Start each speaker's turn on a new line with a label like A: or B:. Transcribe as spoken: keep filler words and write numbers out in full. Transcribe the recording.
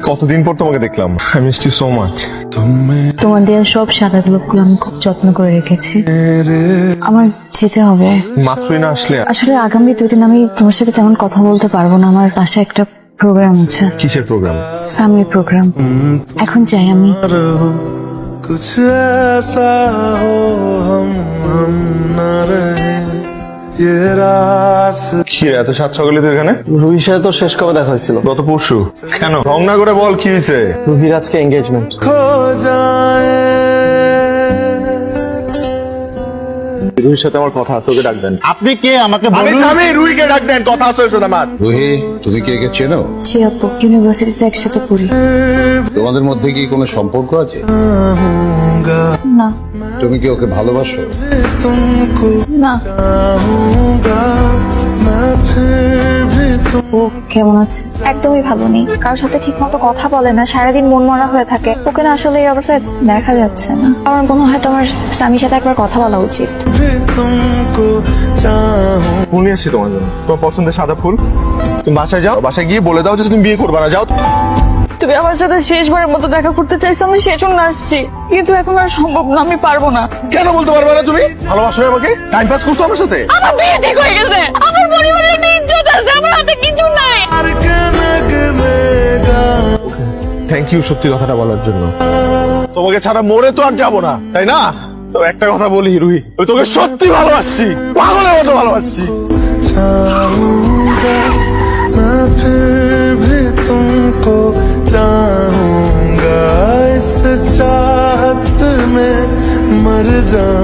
A: কতদিন পর তোমাকে দেখলাম। I miss you so much.
B: তোমার দেওয়া সব সাদা গোলাপগুলো আমি খুব যত্ন করে রেখেছি। আমার যেতে হবে।
A: মাত্রই না আসলে।
B: আসলে আগামী দুই দিন আমি তোমার সাথে তেমন কথা বলতে পারবো না, আমার বাসায় একটা প্রোগ্রাম আছে।
A: কিসের প্রোগ্রাম?
B: Family programme. এখন চাই আমি।
C: कुछ ऐसा हो हम हम न रहे ये रास।
A: কি এত সাত সকালে তুই এখানে?
D: রুহির সাথে তো শেষ কবে দেখা হয়েছিল?
A: গত পরশু। কেন রং না করে বল কি হয়েছে?
D: রুহির আজকে এঙ্গেজমেন্ট।
C: खो जाए
A: রুহির সাথে আমার কথা আছে, ওকে ডাক দেন।
E: আপনি কে আমাকে
A: আমি
E: বলুন।
A: স্বামী, রুহিকে ডাক দেন, কথা আছে ওর সাথে আমার।
F: রুহি, তুমি কি একে চেনো?
B: জি আপু, ইউনিভার্সিটিতে একসাথে পড়ি।
F: তোমাদের মধ্যে কি কোনো সম্পর্ক আছে?
B: না।
F: তুমি কি ওকে ভালোবাসো?
C: तुमको
B: না।
C: चाहूंगा मैं फिर भी तुम।
B: ও কেমন আছে?
G: একদমই ভালো নেই, কারোর সাথে ঠিক মতো কথা বলে না, সারাদিন মন মরা হয়ে থাকে। ওকে না আসলে এই অবস্থায় দেখা যাচ্ছে না। আমার মনে হয় তোমার স্বামীর সাথে একবার কথা বলা উচিত।
C: भी तुमको चाहूं।
A: ফুল নিয়ে আসছি তোমার জন্য, তোমার পছন্দের সাদা ফুল। তুমি বাসায় যাও, বাসায় গিয়ে বলে দাও যে তুমি বিয়ে করবে না। যাও।
H: তুমি আমার সাথে শেষবারের মতো দেখা করতে চাইছো, আমি সেজন্য আসছি, কিন্তু এখন আর সম্ভব না, আমি পারবো না।
A: কেন বলতে পারবে না তুমি? ভালোবাসো না আমাকে? টাইম পাস করছো আমার সাথে?
H: আমার বিয়ে ঠিক হয়ে গেছে, আমার পরিবারের একটা ইজ্জত আছে, আমার হাতে কিছু নাই।
C: प्यार के नग में गाऊं।
A: থ্যাংক ইউ সত্যি কথাটা বলার জন্য। তোমাকে ছাড়া মরে তো আর যাবো না, তাই না? তো একটা কথা বলি রুহি, আমি তোকে সত্যি ভালোবাসছি, পাগলের মতো ভালোবাসছি।
C: चाहूंगा मैं फिर भी तुमको चाहूंगा इस चाहत में मर जाऊं।